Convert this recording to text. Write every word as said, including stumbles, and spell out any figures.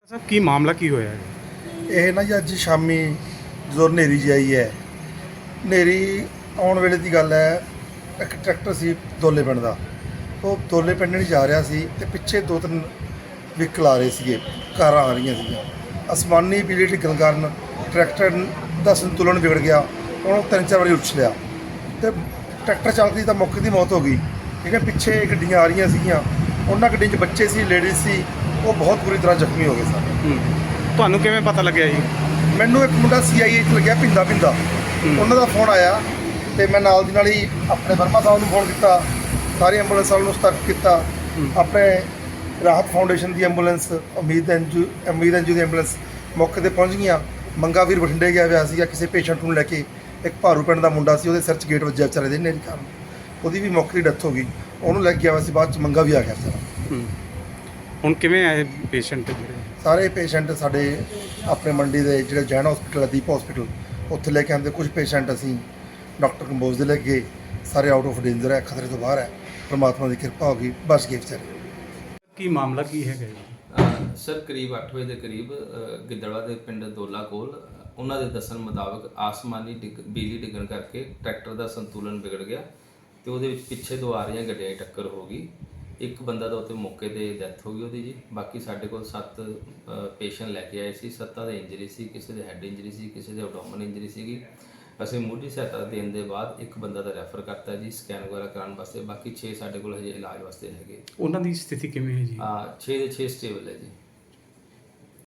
ਸਾਹਿਬ ਕੀ ਮਾਮਲਾ ਕੀ ਹੋਇਆ ਹੈ? ਇਹ ਨਾ ਜੀ ਅੱਜ ਸ਼ਾਮੀ ਜਦੋਂ ਹਨੇਰੀ ਜਿਹੀ ਆਈ ਹੈ, ਹਨੇਰੀ ਆਉਣ ਵੇਲੇ ਦੀ ਗੱਲ ਹੈ। ਇੱਕ ਟਰੈਕਟਰ ਸੀ ਦੋਲੇ ਪਿੰਡ ਦਾ, ਉਹ ਦੋਲੇ ਪਿੰਡ ਨੂੰ ਜਾ ਰਿਹਾ ਸੀ ਤੇ ਪਿੱਛੇ ਦੋ ਤਿੰਨ ਵਹੀਕਲ ਆ ਰਹੇ ਸੀਗੇ, ਕਾਰਾਂ ਆ ਰਹੀਆਂ ਸੀਗੀਆਂ। ਅਸਮਾਨੀ ਬਿਜਲੀ ਡਿੱਗਣ ਕਾਰਨ ਟਰੈਕਟਰ ਦਾ ਸੰਤੁਲਨ ਵਿਗੜ ਗਿਆ, ਉਹਨੂੰ ਤਿੰਨ ਚਾਰ ਵਾਰੀ ਉਛਲਿਆ ਤੇ ਟਰੈਕਟਰ ਚਾਲਕ ਦੀ ਤਾਂ ਮੌਕੇ ਦੀ ਮੌਤ ਹੋ ਗਈ। ਠੀਕ ਹੈ, ਪਿੱਛੇ ਗੱਡੀਆਂ ਆ ਰਹੀਆਂ ਸੀਗੀਆਂ, ਉਹਨਾਂ ਗੱਡੀਆਂ 'ਚ ਬੱਚੇ ਸੀ, ਲੇਡੀਜ਼ ਸੀ, ਉਹ ਬਹੁਤ ਬੁਰੀ ਤਰ੍ਹਾਂ ਜ਼ਖਮੀ ਹੋ ਗਏ ਸਨ। ਤੁਹਾਨੂੰ ਕਿਵੇਂ ਪਤਾ ਲੱਗਿਆ ਜੀ? ਮੈਨੂੰ ਇੱਕ ਮੁੰਡਾ ਸੀ ਆਈ ਏ 'ਚ ਲੱਗਿਆ ਪਿੰਦਾ ਪਿੰਦਾ, ਉਹਨਾਂ ਦਾ ਫੋਨ ਆਇਆ ਤੇ ਮੈਂ ਨਾਲ ਦੀ ਨਾਲ ਹੀ ਆਪਣੇ ਵਰਮਾ ਸਾਹਿਬ ਨੂੰ ਫੋਨ ਕੀਤਾ, ਸਾਰੇ ਐਂਬੂਲੈਂਸ ਵਾਲਿਆਂ ਨੂੰ ਸਤਰਕ ਕੀਤਾ। ਆਪਣੇ ਰਾਹਤ ਫਾਊਂਡੇਸ਼ਨ ਦੀ ਐਂਬੂਲੈਂਸ, ਉਮੀਦ ਐਨਜੂ ਉਮੀਦ ਐਨਜੂ ਦੀ ਐਂਬੂਲੈਂਸ ਮੌਕੇ 'ਤੇ ਪਹੁੰਚ ਗਈਆਂ। ਮੰਗਾ ਵੀਰ ਬਠਿੰਡੇ ਗਿਆ ਹੋਇਆ ਸੀਗਾ ਕਿਸੇ ਪੇਸ਼ੈਂਟ ਨੂੰ ਲੈ ਕੇ, ਇੱਕ ਭਾਰੂ ਪਿੰਡ ਦਾ ਮੁੰਡਾ ਸੀ, ਉਹਦੇ ਸਿਰ 'ਚ ਗੇਟ ਵੱਜਿਆ ਵਿਚਾਰੇ ਦੇ ਹਨੇਰੀ ਕਾਰਨ, ਉਹਦੀ ਵੀ ਮੌਕੇ 'ਤੇ ਡੈਥ ਹੋ ਗਈ। ਉਹਨੂੰ ਲੈ ਕੇ ਗਿਆ ਹੋਇਆ ਸੀ, ਬਾਅਦ 'ਚ ਮੰਗਾ ਵੀ ਆ ਗਿਆ ਵਿਚਾਰਾ। ਹੁਣ ਕਿਵੇਂ ਆਏ ਪੇਸ਼ੈਂਟ ਜਿਹੜੇ? ਸਾਰੇ ਪੇਸ਼ੈਂਟ ਸਾਡੇ ਆਪਣੇ ਮੰਡੀ ਦੇ ਜਿਹੜੇ ਜੈਨ ਹਸਪੀਟਲ, ਦੀਪ ਹਸਪੀਟਲ, ਉੱਥੇ ਲੈ ਕੇ ਆਉਂਦੇ। ਕੁਝ ਪੇਸ਼ੈਂਟ ਅਸੀਂ ਡਾਕਟਰ ਕੰਬੋਜ ਦੇ ਲੈ ਕੇ ਗਏ, ਸਾਰੇ ਆਊਟ ਆਫ ਡੇਂਜਰ ਹੈ, ਖਤਰੇ ਤੋਂ ਬਾਹਰ ਹੈ, ਪਰਮਾਤਮਾ ਦੀ ਕਿਰਪਾ ਹੋ ਗਈ, ਬਚ ਗਏ ਵਿਚਾਰੇ। ਕੀ ਮਾਮਲਾ ਕੀ ਹੈਗਾ ਜੀ? ਅ, ਸਰ ਕਰੀਬ ਅੱਠ ਵਜੇ ਦੇ ਕਰੀਬ ਅ, ਗਿੱਦੜਵਾ ਦੇ ਪਿੰਡ ਦੋਲਾ ਕੋਲ ਉਹਨਾਂ ਦੇ ਦੱਸਣ ਮੁਤਾਬਕ ਆਸਮਾਨੀ ਡਿੱਗ ਬਿਜਲੀ ਡਿੱਗਣ ਕਰਕੇ ਟਰੈਕਟਰ ਦਾ ਸੰਤੁਲਨ ਵਿਗੜ ਗਿਆ ਤੇ ਉਹਦੇ ਵਿੱਚ ਪਿੱਛੇ ਤੋਂ ਆ ਰਹੀਆਂ ਗੱਡੀਆਂ ਦੀ ਟੱਕਰ ਹੋ ਗਈ। ਇੱਕ ਬੰਦਾ ਤਾਂ ਉੱਥੇ ਮੌਕੇ 'ਤੇ ਡੈਥ ਹੋ ਗਈ ਉਹਦੀ ਜੀ। ਬਾਕੀ ਸਾਡੇ ਕੋਲ ਸੱਤ ਪੇਸ਼ੈਂਟ ਲੈ ਕੇ ਆਏ ਸੀ, ਸੱਤਾਂ ਦੇ ਇੰਜਰੀ ਸੀ, ਕਿਸੇ ਦੇ ਹੈਡ ਇੰਜਰੀ ਸੀ, ਕਿਸੇ ਦੇ ਐਬਡੋਮਨ ਇੰਜਰੀ ਸੀਗੀ। ਅਸੀਂ ਮੁੱਢਲੀ ਸਹਾਇਤਾ ਦੇਣ ਦੇ ਬਾਅਦ ਇੱਕ ਬੰਦਾ ਦਾ ਰੈਫਰ ਕਰਤਾ ਜੀ ਸਕੈਨ ਵਗੈਰਾ ਕਰਾਉਣ ਵਾਸਤੇ। ਬਾਕੀ ਛੇ ਸਾਡੇ ਕੋਲ ਹਜੇ ਇਲਾਜ ਵਾਸਤੇ ਹੈਗੇ। ਉਹਨਾਂ ਦੀ ਸਥਿਤੀ ਕਿਵੇਂ ਹੈ ਜੀ? ਆ ਛੇ ਦੇ ਛੇ ਸਟੇਬਲ ਹੈ ਜੀ।